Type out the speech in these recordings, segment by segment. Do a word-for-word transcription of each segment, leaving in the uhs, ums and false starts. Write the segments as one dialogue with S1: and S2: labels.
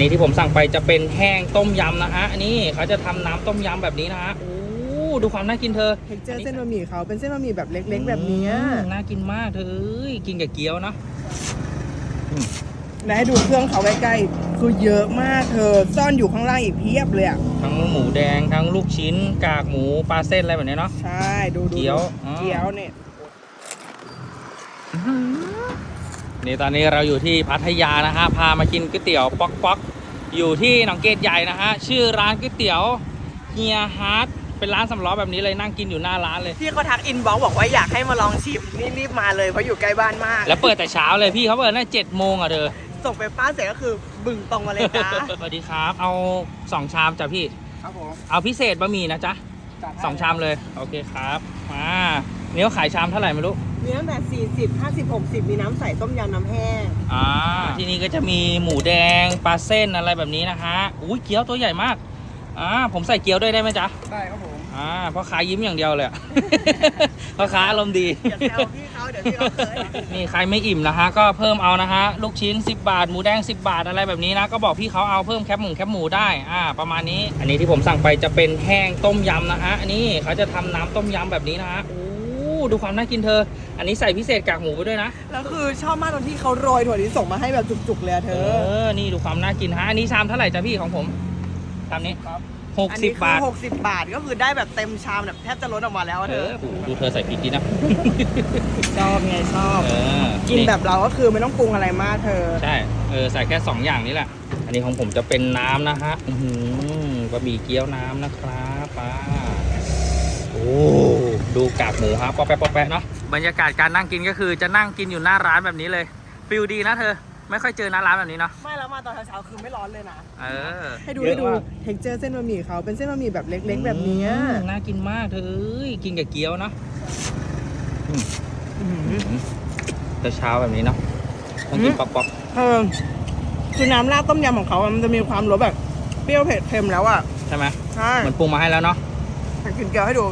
S1: นี้ที่ผมสั่งไปจะเป็นแห้งต้มยำนะฮะอันนี้เขาจะทำน้ำต้มยำแบบนี้นะฮะโอ้ดูความน่ากินเธอ
S2: เท็กเจอร์เส้นบะหมี่เขาเป็นเส้นบะหมี่แบบเล็กๆแบบนี้
S1: น่ากินมากเธอกินกับเกี๊ยวนะ
S2: และให้ดูเครื่องเขาใกล้ๆคือเยอะมากเธอซ่อนอยู่ข้างล่างอีกเพียบเลยอ่ะ
S1: ทั้งหมูแดงทั้งลูกชิ้นกากหมูปลาเส้นอะไรแบบนี้เนาะ
S2: ใช่ดูดู
S1: เกี๊ยว
S2: เกี๊ยวเนี่ย
S1: นี่ตอนนี้เราอยู่ที่พัทยานะฮะพามากินก๋วยเตี๋ยวป๊อกป๊อกอยู่ที่หนองเกตใหญ่นะฮะชื่อร้านก๋วยเตี๋ยวเฮียฮาร์ดเป็นร้านสำล้อแบบนี้เลยนั่งกินอยู่หน้าร้านเลย
S2: พี่เขาทักอินบ็อกซ์บอกว่าอยากให้มาลองชิมนี่รีบมาเลยเพราะอยู่ใกล้บ้านมาก
S1: แล้วเปิดแต่เช้าเลยพี่เขาเปิดตั้งเจ็ดโมงอ่ะเธอ
S2: ส่งไปป้าเสร็จก็คือบึ่งตรงมาเลยจ้า
S1: สวัสดีครับเอาสองชามจ้ะพี่
S2: ครับผม
S1: เอาพิเศษบะหมี่นะจ๊ะสองชามเลยโอเคครับมาเนี้ยขายชามเท่าไหร่ไม่รู้
S2: มีตั้งแต่สี่สิบ ห้าสิบ หกสิบมีน้ำใสต้มยำน้ำแห้ง
S1: อ่าที่นี่ก็จะมีหมูแดงปลาเส้นอะไรแบบนี้นะฮะอุ้ยเกี๊ยวตัวใหญ่มากอ่าผมใส่เกี๊ยวด้วยได้ไหมจ๊ะ
S2: ได้ครับผม
S1: อ่าพ่อค้ายิ้มอย่างเดียวเลย พ่อค้าอารมณ์ดี
S2: อย่าแซวพี่เขาเดี๋ยวพี่เขาเคย
S1: นี่ใครไม่อิ่มนะฮะก็เพิ่มเอานะฮะลูกชิ้นสิบบาทหมูแดงสิบบาทอะไรแบบนี้นะก็บอกพี่เขาเอาเพิ่มแคบหมูแคบหมูได้อ่าประมาณนี้อันนี้ที่ผมสั่งไปจะเป็นแห้งต้มยำนะฮะอันนี้เขาจะทำน้ำต้มยำแบบนี้นะฮะโอ้ดูความน่ากินเธออันนี้ใส่พิเศษกากหมูไปด้วยนะ
S2: แล้วคือชอบมากตอนที่เขาโรยถั่วลิสงมาให้แบบจุกๆเลยเธอ
S1: เออนี่ดูความน่ากินฮะอันนี้ชามเท่าไหร่จ้ะพี่ของผมชามนี้หกสิบบาท
S2: หกสิบบาทก็คือได้แบบเต็มชามแบบแทบจะล้นออกมาแล้วเธอ
S1: ดูเธอใส่พริกดีนะ
S2: ชอบไงชอบกินแบบเราก็คือไม่ต้องปรุงอะไรมากเธอ
S1: ใช่เออใส่แค่สองอย่างนี้แหละอันนี้ของผมจะเป็นน้ำนะฮะอือบะหมี่เกี๊ยวน้ำนะครับป้าโอ้ดูกากหมูครับป๊อปแป๊ะป๊อปแป๊ะเนาะบรรยากาศการนั่งกินก็คือจะนั่งกินอยู่หน้าร้านแบบนี้เลยฟิลดีนะเธอไม่ค่อยเจอหน้าร้านแบบนี้เนาะ
S2: ไม่แล้วมาตอนเช้าๆคือไม่ร้อนเลยนะ
S1: เออ
S2: ให้ดูให้ดูเท็กเจอร์เส้นบะหมี่เขาเป็นเส้นบะหมี่แบบเล็กๆแบบนี้
S1: น่ากินมากเธอกินกับเกี๊ยวเนาะเช้าแบบนี้เนาะต้องกินป๊อก
S2: ๆเออคือน้ำราดต้มยำของเขามันจะมีความรสแบบเปรี้ยวเผ็ดเค็มแล้วอ่ะ
S1: ใช่ไหม
S2: ใช่
S1: เหมือนปรุงมาให้แล้วเนาะ
S2: กินเกี๊ยวให้ดู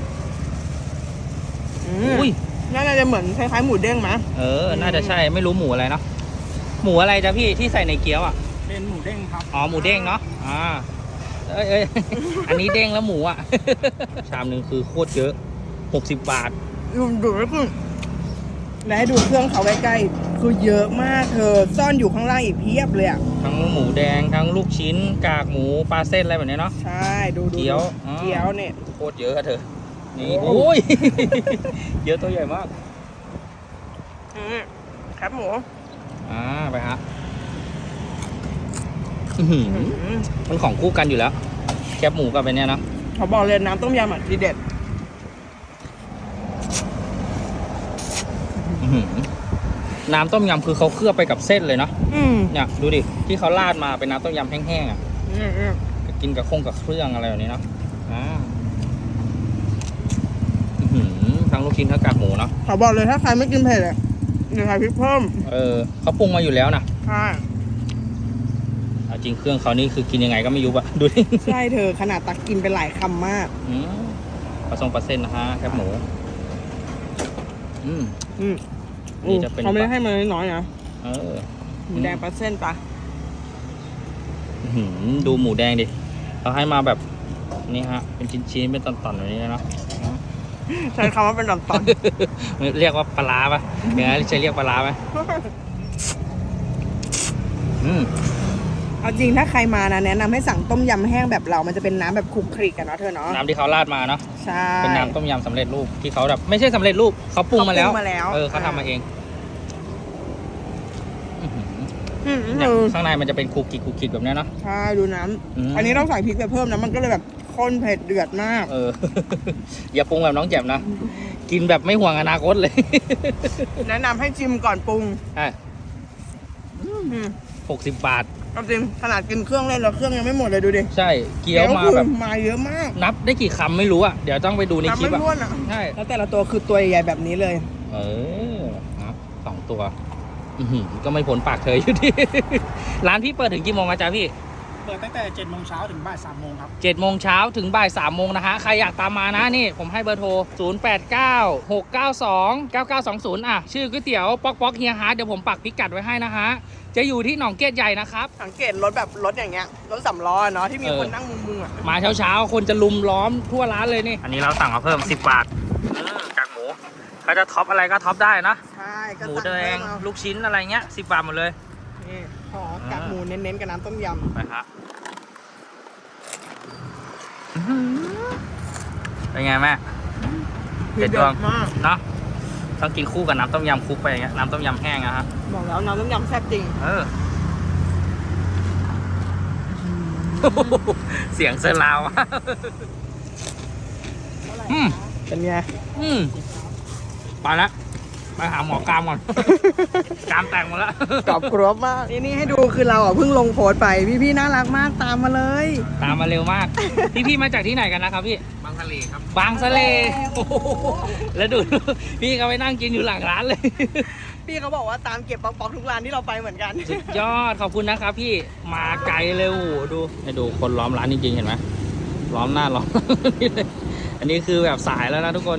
S2: อุ้ยน่าจะเหมือนคล้ายๆหมูเด้งไหม
S1: เออน่าจะใช่ไม่รู้หมูอะไรเนาะหมูอะไรจ้ะพี่ที่ใส่ในเกี๊ยวอ่ะ
S2: เป็นหมูเด้งครับ
S1: อ๋อหมูเด้งเนาะอ่าเอ้ยเอ้ยอันนี้เด้งแล้วหมูอ่ะชามหนึ่งคือโคตรเยอะหกสิบบาท
S2: ดูดูแล้วคือและให้ดูเครื่องเขาใกล้ๆคือเยอะมากเธอซ่อนอยู่ข้างล่างอีกเพียบเลยอ่ะ
S1: ทั้งหมูแดงทั้งลูกชิ้นกากหมูปลาเส้นอะไรแบบนี้เนาะ
S2: ใช่ดูดู
S1: เกี๊ยว
S2: เกี๊ยวเนี่ย
S1: โคตรเยอะอะเธอนี่โอ้ยเยอะตัวใหญ่มาก
S2: ครับหมู
S1: อ่าไปฮะมันของคู่กันอยู่แล้วแคบหมูกับเป็นเนี้ยเนาะ
S2: เขาบอกเลยน้ำต้มยำอ่ะทีเด็ด
S1: น้ำต้มยำคือเขาเคลือบไปกับเส้นเลยเนาะเนี่ยดูดิที่เขาราดมาเป็นน้ำต้มยำแห้งๆอ่ะกินกับข้งกับเครื่องอะไรแบบนี้เนาะทั้งลูกชิ้นทั้งกากหมูเนาะ
S2: เขาบอกเลยถ้าใครไม่กินเผ็ดอ่ะเดี๋ยวใส่พริกเพิ่ม
S1: เออเขาปรุงมาอยู่แล้วนะ
S2: ใช่
S1: จริงเครื่องเขานี่คือกินยังไงก็ไม่ยุบอะดูดิ
S2: ใช่เธอขนาดตักกินไปหลายคำมาก
S1: ปลาทรงปลาเส้นนะฮะแคบหมูอืม
S2: อืมนี่จะเป็นเขาไม่ได้ให้มาน้อยๆนะ
S1: เออ
S2: หมูแดงปลาเส้นปะ
S1: ดูหมูแดงดิเขาให้มาแบบนี่ฮะเป็นชิ้นๆเป็นตอนๆแบบนี้นะ
S2: ใช้คำว่าเป็นตอน
S1: ๆเรียกว่าปลาปะอย่างนั้นจะเรียกปลาไหมอืม
S2: เอาจริงถ้าใครมานะแนะนำให้สั่งต้มยำแห้งแบบเรามันจะเป็นน้ำแบบคลุกคลิกกันเนาะเธอเนาะ
S1: น้ำที่เขาราดมาเนาะ
S2: ใช่
S1: เป็นน้ำต้มยำสำเร็จรูปที่เขาแบบไม่ใช่สำเร็จรูปเขาปรุงมาแล้วเออเขาทำมาเองข้างในมันจะเป็นคุกกิกคุกกิกแบบนี้เนาะ
S2: ใช่ดูน้ำอันนี้ต้องใส่พริกไปเพิ่มนะมันก็เลยแบบข้นเผ็ดเดือดมาก
S1: เอออย่าปรุงแบบน้องแจ่มนะกินแบบไม่ห่วงอนาคตเลย
S2: แนะนำให้ชิมก่อนปรุง
S1: ใช่หกสิบบาท
S2: จริงขนาดกินเครื่องเล่นแล้วเครื่องยังไม่หมดเลยดูดิ
S1: ใช่เกี๊ยวมาแบบ
S2: มาเยอะมาก
S1: นับได้กี่คำไม่รู้อ่ะเดี๋ยวต้องไปดูในคลิปอ่ะ
S2: ใช่แล้วแต่ละตัวคือตัวใหญ่แบบนี้เลย
S1: เออสองตัวก็ไม่พ้นปากเธออยู่ดีร้านพี่เปิดถึงกี่โมงอาจารย์พี่
S3: เปิดตั้งแต่เจ็ดโมงเช้าถึงบ่ายสามโมงครับ
S1: เจ็ดโมงเช้าถึงบ่ายสามโมงนะฮะ ใครอยากตามมานะนี่ ผมให้เบอร์โทร ศูนย์ แปด เก้า หก เก้า สอง เก้า เก้า สอง ศูนย์ อ่ะ ชื่อก๋วยเตี๋ยวป๊อกป๊อกเฮียฮาร์ดเดี๋ยวผมปักพิกัดไว้ให้นะฮะ จะอยู่ที่หนองเกตใหญ่นะครับ
S2: สังเกตรถแบบรถอย่างเงี้ยรถสำล้อเนาะที่มี
S1: เออ
S2: คนนั่งมุงๆอ่ะ
S1: มาเช้าๆ คนจะลุมล้อมทั่วร้านเลยนี่ อันนี้เราสั่งมาเพิ่ม สิบบาทกากหมูเขาจะท็อปอะไรก็ท็อปได้นะ
S2: ใช่ก็
S1: หมู
S2: สั่ง
S1: แด
S2: เพิ่
S1: ง
S2: มเอา
S1: ลูกชิ้นอะไรเงี้ยสิบบาทหมดเลย
S2: นี่ขอกากหมูเน้นๆกับน้ำต้มยำ
S1: ไปครับเป็นไงแม่เด็ดดวง
S2: มาก
S1: เนาะต้องกินคู่กับน้ำต้มยำคลุกไปอย่างเงี้ยน้ำต้มยำแห้งอะฮะ
S2: บอกแล้วน้ำต้มยำแซ่บจริง
S1: เออ เสียงเซอร์ราวอะอืม
S2: เป็นไง
S1: อืมไปละไปหาหมอกรามก่อน กรามแต่งหมดแล้ว
S2: กรอบกรอบมากนี่นี่ให้ดูคือเราอ่ะเพิ่งลงโพสต์ไปพี่ๆน่ารักมากตามมาเลย
S1: ตามมาเร็วมาก พี่พี่มาจากที่ไหนกันนะครับพี่
S3: บางทะเลครับ
S1: บางสะเลโอ้โหแล้วดู พี่เขาไปนั่งกินอยู่หลังร้านเลย
S2: พี่เขาบอกว่าตามเก็บป๊อกๆทุกร้านที่เราไปเหมือนกัน
S1: สุดยอดขอบคุณนะครับพี่มาไกลเลยโอ้โหดูให้ดูคนล้อมร้านจริงๆเห็นไหมล้อมหน้าล้อม นี่เลยอันนี้คือแบบสายแล้วนะทุกคน